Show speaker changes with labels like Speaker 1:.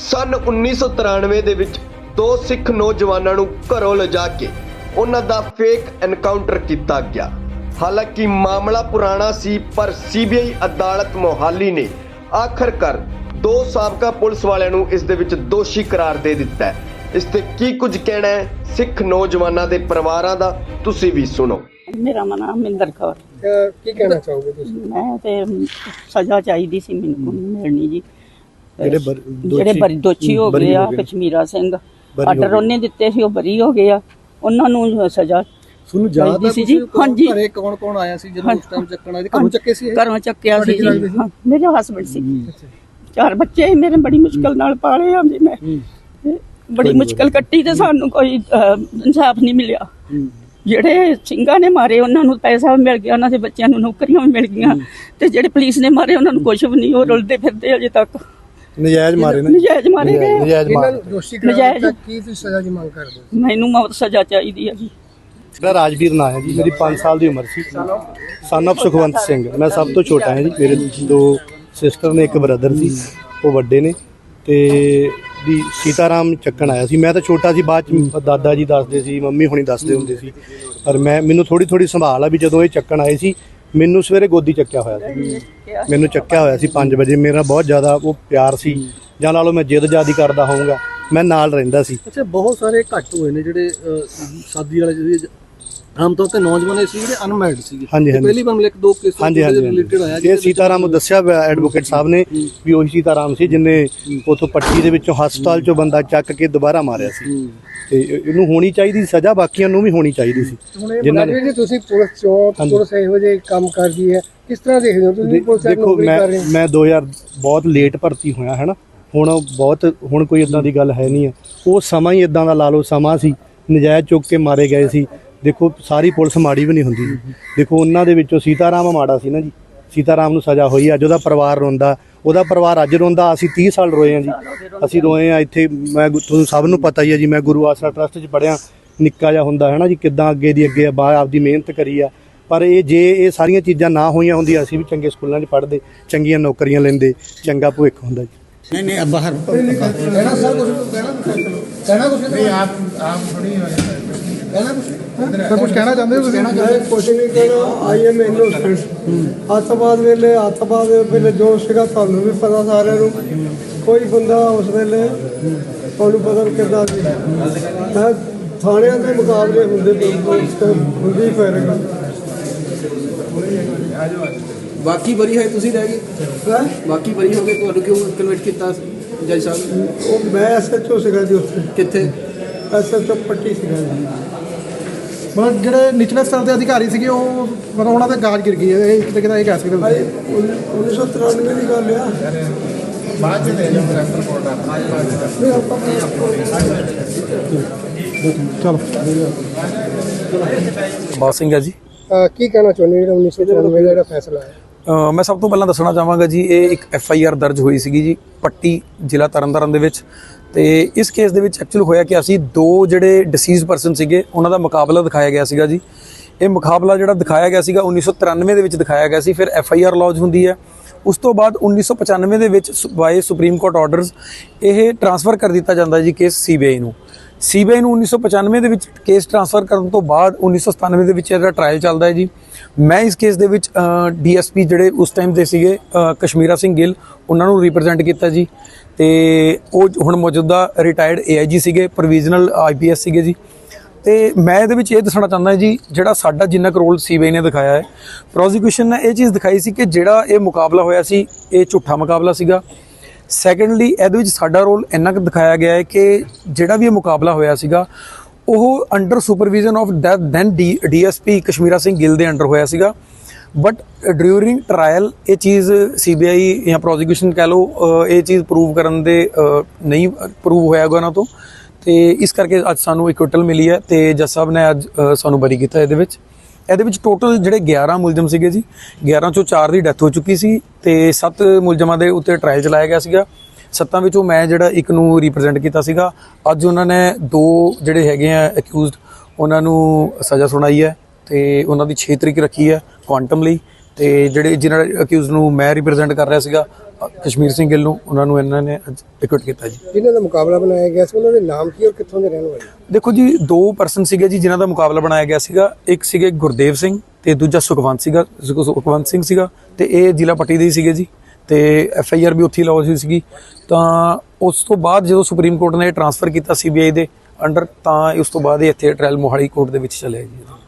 Speaker 1: सन 1993 ਦੇ ਵਿੱਚ ਦੋ ਸਿੱਖ ਨੌਜਵਾਨਾਂ ਨੂੰ ਘਰੋਂ ਲਿਜਾ ਕੇ ਉਹਨਾਂ ਦਾ ਫੇਕ ਐਨਕਾਊਂਟਰ ਕੀਤਾ ਗਿਆ। ਹਾਲਾਂਕਿ ਮਾਮਲਾ ਪੁਰਾਣਾ ਸੀ, ਪਰ ਸੀਬੀਆਈ ਅਦਾਲਤ ਮੋਹਾਲੀ ਨੇ ਆਖਰਕਾਰ ਦੋ ਸਾਬਕਾ ਪੁਲਿਸ ਵਾਲਿਆਂ ਨੂੰ ਇਸ ਦੇ ਵਿੱਚ ਦੋਸ਼ੀ ਕਰਾਰ ਦੇ ਦਿੱਤਾ ਹੈ। ਇਸ ਤੇ ਕੀ ਕੁਝ ਕਹਿਣਾ ਹੈ ਸਿੱਖ ਨੌਜਵਾਨਾਂ ਦੇ ਪਰਿਵਾਰਾਂ ਦਾ, ਤੁਸੀਂ ਵੀ ਸੁਣੋ।
Speaker 2: ਮੇਰਾ ਨਾਮ ਮਿੰਦਰ ਕੌਰ।
Speaker 3: ਕੀ ਕਹਿਣਾ ਚਾਹੋਗੇ ਤੁਸੀਂ?
Speaker 2: ਮੈਂ ਤੇ ਸਜ਼ਾ ਚਾਹੀਦੀ ਸੀ, ਮੈਨੂੰ ਮਿਲਣੀ ਜੀ। ਜਿਹੜੇ ਦੋਸ਼ੀ ਹੋ ਗਏ ਆ, ਕਸ਼ਮੀਰਾ ਸਿੰਘ ਆਰਡਰ ਉਹਨੇ ਦਿੱਤੇ ਸੀ, ਉਹ ਬਰੀ ਹੋ ਗਏ ਆ, ਉਹਨਾਂ ਨੂੰ ਸਜ਼ਾ ਚਾਹੀਦੀ ਸੀ ਜੀ। ਹਾਂਜੀ,
Speaker 3: ਘਰੇ ਕੌਣ ਕੌਣ ਆਇਆ ਸੀ ਜਦੋਂ ਉਸ ਟਾਈਮ ਚੱਕਣ ਆਏ? ਘਰੋਂ ਚੱਕੇ ਸੀ?
Speaker 2: ਘਰੋਂ ਚੱਕਿਆ ਸੀ ਜੀ। ਮੇਰੇ ਹਸਬੰਡ ਸੀ, 4 ਬੱਚੇ ਮੇਰੇ, ਬੜੀ ਮੁਸ਼ਕਲ ਨਾਲ ਪਾਲੇ ਆ ਜੀ। ਮੈਂ ਬੜੀ ਮੁਸ਼ਕਲ ਕੱਟੀ ਤੇ ਸਾਨੂੰ ਕੋਈ ਇਨਸਾਫ ਨਹੀਂ ਮਿਲਿਆ। ਜਿਹੜੇ ਸਿੰਘਾਂ ਨੇ ਮਾਰੇ ਉਹਨਾਂ ਨੂੰ ਪੈਸਾ ਵੀ ਮਿਲ ਗਿਆ, ਉਹਨਾਂ ਦੇ ਬੱਚਿਆਂ ਨੂੰ ਨੌਕਰੀਆਂ ਵੀ ਮਿਲ ਗਈਆਂ, ਤੇ ਜਿਹੜੇ ਪੁਲਿਸ ਨੇ ਮਾਰੇ ਉਹਨਾਂ ਨੂੰ ਕੁਝ ਵੀ ਨਹੀਂ, ਉਹ ਰੁਲਦੇ ਫਿਰਦੇ ਅਜੇ ਤੱਕ।
Speaker 4: ਨਜਾਇਜ਼ ਮਾਰੇ ਨੇ,
Speaker 2: ਨਜਾਇਜ਼ ਮਾਰੇ ਗਏ।
Speaker 3: ਦੋਸ਼ੀ ਕਰਾਰ ਦਾ ਕੀ ਤੁਸੀਂ ਸਜ਼ਾ ਦੀ ਮੰਗ ਕਰਦੇ ਹੋ?
Speaker 2: ਮੈਨੂੰ ਮੌਤ ਸਜ਼ਾ ਚਾਹੀਦੀ ਹੈ ਜੀ।
Speaker 4: ਮੇਰਾ ਰਾਜਵੀਰ ਨਾਂ ਹੈ ਜੀ, ਮੇਰੀ 5 ਸਾਲ ਦੀ ਉਮਰ ਸੀ। ਸਨ ਆਫ ਸੁਖਵੰਤ ਸਿੰਘ, ਮੈਂ ਸਭ ਤੋਂ ਛੋਟਾ ਹਾਂ ਜੀ। ਮੇਰੇ 2 ਸਿਸਟਰ ਨੇ, 1 ਬ੍ਰਦਰ ਸੀ, ਉਹ ਵੱਡੇ ਨੇ। ਤੇ ਵੀ ਸੀਤਾਰਾਮ ਚੱਕਣ ਆਇਆ ਸੀ। ਮੈਂ ਤਾਂ ਛੋਟਾ ਸੀ, ਬਾਅਦ ਚ ਦਾਦਾ ਜੀ ਦੱਸਦੇ ਸੀ, ਮੰਮੀ ਹੁਣੀ ਦੱਸਦੇ ਹੁੰਦੇ ਸੀ, ਪਰ ਮੈਨੂੰ ਥੋੜੀ ਸੰਭਾਲ ਆ ਵੀ ਜਦੋਂ ਇਹ ਚੱਕਣ ਆਏ ਸੀ, ਮੈਨੂੰ ਸਵੇਰੇ ਗੋਦੀ ਚੱਕਿਆ ਹੋਇਆ ਸੀ। ਮੈਨੂੰ ਚੱਕਿਆ ਹੋਇਆ ਸੀ 5 ਵਜੇ। ਮੇਰਾ ਬਹੁਤ ਜ਼ਿਆਦਾ ਉਹ ਪਿਆਰ ਸੀ, ਜਾਂ ਲਾ ਲਓ ਮੈਂ ਜਿੱਦ ਜ਼ਿਆਦਾ ਕਰਦਾ ਹੋਊਂਗਾ, ਮੈਂ ਨਾਲ ਰਹਿੰਦਾ ਸੀ।
Speaker 3: ਅੱਛਾ, ਬਹੁਤ ਸਾਰੇ ਘੱਟ ਹੋਏ ਨੇ ਜਿਹੜੇ ਸ਼ਾਦੀ ਵਾਲੇ, ਜਿਹੜੇ ਆਮ ਤੌਰ ਤੇ ਨੌਜਵਾਨ ਸੀ ਜਿਹੜੇ ਅਨਮੈਰਿਡ ਸੀ।
Speaker 4: ਹਾਂਜੀ,
Speaker 3: ਪਹਿਲੀ ਵਾਰ ਮਿਲੇ 2 ਕੇਸ ਰਿਲੇਟਡ ਆਇਆ।
Speaker 4: ਇਹ ਸੀਤਾਰਾਮ ਨੂੰ ਦੱਸਿਆ ਐਡਵੋਕੇਟ ਸਾਹਿਬ ਨੇ ਵੀ ਉਹੀ ਸੀਤਾਰਾਮ ਸੀ ਜਿਹਨੇ ਉਥੋਂ ਪੱਟੀ ਦੇ ਵਿੱਚੋਂ ਹਸਪਤਾਲ ਚੋਂ ਬੰਦਾ ਚੱਕ ਕੇ ਦੁਬਾਰਾ ਮਾਰਿਆ ਸੀ। ਤੇ ਇਹਨੂੰ ਹੋਣੀ ਚਾਹੀਦੀ ਸਜ਼ਾ, ਬਾਕੀਆਂ ਨੂੰ ਵੀ ਹੋਣੀ ਚਾਹੀਦੀ ਸੀ।
Speaker 3: ਜਿਨ੍ਹਾਂ ਨੇ ਤੁਸੀਂ ਪੁਲਿਸ ਚੋਂ ਪੁਲਿਸ ਇਹੋ ਜਿਹੇ ਕੰਮ ਕਰਦੀ ਹੈ, ਕਿਸ ਤਰ੍ਹਾਂ ਦੇਖਦੇ ਹੋ ਤੁਸੀਂ?
Speaker 4: ਦੇਖੋ, ਮੈਂ 2000 ਬਹੁਤ ਲੇਟ ਭਰਤੀ ਹੋਇਆ ਹੈ ਨਾ, ਹੁਣ ਕੋਈ ਇਦਾਂ ਦੀ ਗੱਲ ਹੈ ਨਹੀਂ ਹੈ। ਉਹ ਸਮਾਂ ਹੀ ਇਦਾਂ ਦਾ ਲਾ ਲਓ, ਸਮਾਂ ਸੀ ਨਜਾਇਜ਼ ਚੁੱਕ ਕੇ ਮਾਰੇ ਗਏ ਸੀ। ਦੇਖੋ, ਸਾਰੀ ਪੁਲਿਸ ਮਾੜੀ ਵੀ ਨਹੀਂ ਹੁੰਦੀ। ਦੇਖੋ, ਉਹਨਾਂ ਦੇ ਵਿੱਚੋਂ ਸੀਤਾਰਾਮ ਮਾੜਾ ਸੀ ਨਾ ਜੀ। ਸੀਤਾਰਾਮ ਨੂੰ ਸਜ਼ਾ ਹੋਈ, ਅੱਜ ਉਹਦਾ ਪਰਿਵਾਰ ਰੋਂਦਾ, ਉਹਦਾ ਪਰਿਵਾਰ ਅੱਜ ਰੋਂਦਾ। ਅਸੀਂ 30 ਸਾਲ ਰੋਏ ਹਾਂ ਜੀ, ਅਸੀਂ ਰੋਏ ਹਾਂ ਇੱਥੇ। ਮੈਂ ਤੁਹਾਨੂੰ ਸਭ ਨੂੰ ਪਤਾ ਹੀ ਹੈ ਜੀ, ਮੈਂ ਗੁਰੂ ਆਸਰਾ ਟਰਸਟ 'ਚ ਪੜ੍ਹਿਆ, ਨਿੱਕਾ ਜਿਹਾ ਹੁੰਦਾ ਹੈ ਨਾ ਜੀ, ਕਿੱਦਾਂ ਅੱਗੇ ਦੀ ਅੱਗੇ ਆਪਦੀ ਮਿਹਨਤ ਕਰੀ ਆ। ਪਰ ਜੇ ਇਹ ਸਾਰੀਆਂ ਚੀਜ਼ਾਂ ਨਾ ਹੋਈਆਂ ਹੁੰਦੀਆਂ, ਅਸੀਂ ਵੀ ਚੰਗੇ ਸਕੂਲਾਂ 'ਚ ਪੜ੍ਹਦੇ, ਚੰਗੀਆਂ ਨੌਕਰੀਆਂ ਲੈਂਦੇ, ਚੰਗਾ ਭਵਿੱਖ ਹੁੰਦਾ ਜੀ।
Speaker 5: नहीं अब बाहर
Speaker 3: ਕਹਿਣਾ ਸਰ ਕੁਝ ਕਹਿਣਾ ਕੁਝ ਨਹੀਂ। ਆਪ ਥੋੜੀ ਕਹਿਣਾ ਕੁਝ ਕਹਿਣਾ ਚਾਹੁੰਦੇ ਹੋ?
Speaker 6: ਕੁਛ ਨਹੀਂ ਕਹਿਣਾ। I am innocent. ਅੱਤਵਾਦ ਵੇਲੇ ਜੋ ਸੀਗਾ ਤੁਹਾਨੂੰ ਵੀ ਪਤਾ, ਸਾਰਿਆਂ ਨੂੰ। ਕੋਈ ਬੰਦਾ ਉਸ ਵੇਲੇ ਤੁਹਾਨੂੰ ਪਤਾ ਕਿੱਦਾਂ ਸੀ। ਮੈਂ ਥਾਣਿਆਂ ਦੇ ਮੁਕਾਬਲੇ ਹੁੰਦੀ ਫਿਰ
Speaker 3: ਬਾਕੀ ਬਰੀ ਹੈ, ਤੁਸੀਂ ਰਹਿ ਗਏ। ਬਾਕੀ ਬਰੀ ਹੋ ਗਏ, ਤੁਹਾਨੂੰ ਕਿਉਂ ਕਨਵਰਟ ਕੀਤਾ ਜੱਜ ਸਾਹਿਬ?
Speaker 6: ਉਹ ਮੈਂ ਐਸਐਚਓ ਸੀਗਾ ਜੀ ਉੱਥੇ।
Speaker 3: ਕਿੱਥੇ?
Speaker 6: ਐਸਐਚਓ ਪੱਟੀ ਸੀਗਾ ਜੀ।
Speaker 3: ਮਤਲਬ ਜਿਹੜੇ ਨਿਚਲੇ ਸਤਰ ਦੇ ਅਧਿਕਾਰੀ ਸੀਗੇ, ਉਹ ਮਤਲਬ ਉਹਨਾਂ ਦੇ ਗਾਜ ਗਿਰ ਗਈ ਹੈ, ਕਿਤੇ ਕਿਤੇ ਇਹ ਕਹਿ ਸਕਦੇ ਹੋ?
Speaker 6: 1993 ਦੀ ਗੱਲ ਆ।
Speaker 3: ਬਾਅਦ ਚ ਦੇ ਰੈਫਰ ਕੋਡ ਚਲੋ।
Speaker 7: ਬਾਦ ਸਿੰਘ ਹੈ ਜੀ।
Speaker 3: ਕੀ ਕਹਿਣਾ ਚਾਹੁੰਦੇ ਜਿਹੜਾ 1993 ਦਾ ਜਿਹੜਾ ਫੈਸਲਾ ਹੈ?
Speaker 7: ਮੈਂ ਸਭ ਤੋਂ ਪਹਿਲਾਂ ਦੱਸਣਾ ਚਾਹਾਂਗਾ ਜੀ, ਇਹ ਇੱਕ FIR ਦਰਜ ਹੋਈ ਸੀਗੀ ਜੀ ਪੱਟੀ, ਜ਼ਿਲ੍ਹਾ ਤਰਨਤਾਰਨ ਦੇ ਵਿੱਚ। ਤੇ ਇਸ ਕੇਸ ਦੇ ਵਿੱਚ ਐਕਚੁਅਲ ਹੋਇਆ ਕਿ ਅਸੀਂ 2 ਜਿਹੜੇ ਡਿਸੀਜ਼ ਪਰਸਨ ਸੀਗੇ, ਉਹਨਾਂ ਦਾ ਮੁਕਾਬਲਾ ਦਿਖਾਇਆ ਗਿਆ ਸੀਗਾ ਜੀ। ਇਹ ਮੁਕਾਬਲਾ ਜਿਹੜਾ ਦਿਖਾਇਆ ਗਿਆ ਸੀਗਾ 1993 ਦੇ ਵਿੱਚ ਦਿਖਾਇਆ ਗਿਆ ਸੀ। ਫਿਰ FIR ਲੌਜ ਹੁੰਦੀ ਹੈ। ਉਸ ਤੋਂ ਬਾਅਦ 1995 ਦੇ ਵਿੱਚ ਬਾਏ ਸੁਪਰੀਮ ਕੋਰਟ ਆਰਡਰਸ ਇਹ ਟ੍ਰਾਂਸਫਰ ਕਰ ਦਿੱਤਾ ਜਾਂਦਾ ਜੀ ਕੇਸ CBI ਨੂੰ। CBI ਨੂੰ 1995 ਦੇ ਵਿੱਚ ਕੇਸ ਟ੍ਰਾਂਸਫਰ ਕਰਨ ਤੋਂ ਬਾਅਦ 1997 ਦੇ ਵਿੱਚ ਇਹਦਾ ਟ੍ਰਾਇਲ ਚੱਲਦਾ ਹੈ ਜੀ। ਮੈਂ ਇਸ ਕੇਸ ਦੇ ਵਿੱਚ DSP ਜਿਹੜੇ ਉਸ ਟਾਈਮ ਦੇ ਸੀਗੇ ਕਸ਼ਮੀਰਾ ਸਿੰਘ ਗਿੱਲ, ਉਹਨਾਂ ਨੂੰ ਰਿਪਰੈਜ਼ੈਂਟ ਕੀਤਾ ਜੀ। ਤੇ ਉਹ ਹੁਣ ਮੌਜੂਦਾ ਰਿਟਾਇਰਡ AIG ਸੀਗੇ, ਪ੍ਰੋਵੀਜ਼ਨਲ IPS ਸੀਗੇ ਜੀ। ਤੇ ਮੈਂ ਇਹਦੇ ਵਿੱਚ ਇਹ ਦੱਸਣਾ ਚਾਹੁੰਦਾ ਜੀ, ਜਿਹੜਾ ਸਾਡਾ ਜਿੰਨਾ ਕੁ ਰੋਲ CBI ਨੇ ਦਿਖਾਇਆ ਹੈ, ਪ੍ਰੋਸੀਕਿਊਸ਼ਨ ਨੇ ਇਹ ਚੀਜ਼ ਦਿਖਾਈ ਸੀ ਕਿ ਜਿਹੜਾ ਇਹ ਮੁਕਾਬਲਾ ਹੋਇਆ ਸੀ, ਇਹ ਝੂਠਾ ਮੁਕਾਬਲਾ ਸੀਗਾ। ਸੈਕੰਡਲੀ, ਇਹਦੇ ਵਿੱਚ ਸਾਡਾ ਰੋਲ ਇੰਨਾ ਕੁ ਦਿਖਾਇਆ ਗਿਆ ਹੈ ਕਿ ਜਿਹੜਾ ਵੀ ਇਹ ਮੁਕਾਬਲਾ ਹੋਇਆ ਸੀਗਾ, ਉਹ under supervision of then DSP Kashmira Singh Gill ਦੇ ਅੰਡਰ ਹੋਇਆ ਸੀਗਾ। ਬਟ ਡਿਊਰਿੰਗ ਟਰਾਇਲ ਇਹ ਚੀਜ਼ CBI ਜਾਂ ਪ੍ਰੋਸੀਕਿਊਸ਼ਨ ਕਹਿ ਲਓ, ਇਹ ਚੀਜ਼ ਪ੍ਰੂਵ ਕਰਨ ਦੇ ਨਹੀਂ ਪ੍ਰੂਵ ਹੋਇਆ ਗਿਆ ਉਹਨਾਂ ਤੋਂ। ਤੇ ਇਸ ਕਰਕੇ ਅੱਜ ਸਾਨੂੰ ਇਕੁਇਟਲ ਮਿਲੀ ਹੈ ਤੇ ਜੱਜ ਸਾਹਿਬ ਨੇ ਅੱਜ ਸਾਨੂੰ ਬਰੀ ਕੀਤਾ। ਇਹਦੇ ਵਿੱਚ ਟੋਟਲ ਜਿਹੜੇ 11 ਮੁਲਜ਼ਮ ਸੀਗੇ ਜੀ, 11 ਚੋਂ 4 ਦੀ ਡੈਥ ਹੋ ਚੁੱਕੀ ਸੀ ਤੇ 7 ਮੁਲਜ਼ਮਾਂ ਦੇ ਉੱਤੇ ਟਰਾਇਲ ਚਲਾਇਆ ਗਿਆ ਸੀਗਾ। 7 ਵਿੱਚੋਂ ਮੈਂ ਜਿਹੜਾ 1 ਨੂੰ ਰਿਪਰੈਜ਼ੈਂਟ ਕੀਤਾ ਸੀਗਾ। ਅੱਜ ਉਹਨਾਂ ਨੇ 2 ਜਿਹੜੇ ਹੈਗੇ ਆ ਅਕਿਊਜ਼ਡ, ਉਹਨਾਂ ਨੂੰ ਸਜ਼ਾ ਸੁਣਾਈ ਹੈ ਤੇ ਉਹਨਾਂ ਦੀ 6 ਤਰੀਕ ਰੱਖੀ ਹੈ ਕੁਆਂਟਮ ਲਈ। ਤੇ ਜਿਹੜੇ ਜਿਹਨਾਂ ਅਕਿਊਜ਼ ਨੂੰ ਮੈਂ ਰਿਪਰੈਜ਼ੈਂਟ ਕਰ ਰਿਹਾ ਸੀਗਾ ਕਸ਼ਮੀਰ ਸਿੰਘ ਗਿੱਲ ਨੂੰ, ਉਹਨਾਂ ਨੂੰ ਇਹਨਾਂ ਨੇ ਐਕਵਿਟ ਕੀਤਾ ਜੀ।
Speaker 3: ਜਿਨ੍ਹਾਂ ਦਾ ਮੁਕਾਬਲਾ ਬਣਾਇਆ ਗਿਆ ਸੀ ਉਹਨਾਂ ਦੇ ਨਾਮ ਕੀ ਔਰ ਕਿੱਥੋਂ ਦੇ ਰਹਿਣ ਵਾਲੇ?
Speaker 7: ਦੇਖੋ ਜੀ, 2 ਪਰਸਨ ਸੀਗੇ ਜੀ ਜਿਨ੍ਹਾਂ ਦਾ ਮੁਕਾਬਲਾ ਬਣਾਇਆ ਗਿਆ ਸੀਗਾ। ਇੱਕ ਸੀਗੇ ਗੁਰਦੇਵ ਸਿੰਘ ਤੇ ਦੂਜਾ ਸੁਖਵੰਤ ਸਿੰਘ ਸੀਗਾ, ਤੇ ਇਹ ਜ਼ਿਲ੍ਹਾ ਪੱਟੀ ਦੇ ਹੀ ਸੀਗੇ ਜੀ, ਤੇ FIR ਵੀ ਉੱਥੇ ਲੌਜ ਹੋਈ ਸੀਗੀ। ਤਾਂ ਉਸ ਤੋਂ ਬਾਅਦ ਜਦੋਂ ਸੁਪਰੀਮ ਕੋਰਟ ਨੇ ਟ੍ਰਾਂਸਫਰ ਕੀਤਾ CBI ਦੇ ਅੰਡਰ, ਤਾਂ ਉਸ ਤੋਂ ਬਾਅਦ ਇਹ ਇੱਥੇ ਟ੍ਰਾਇਲ ਮੋਹਾਲੀ ਕੋਰਟ ਦੇ ਵਿੱਚ ਚਲਿਆ ਜੀ।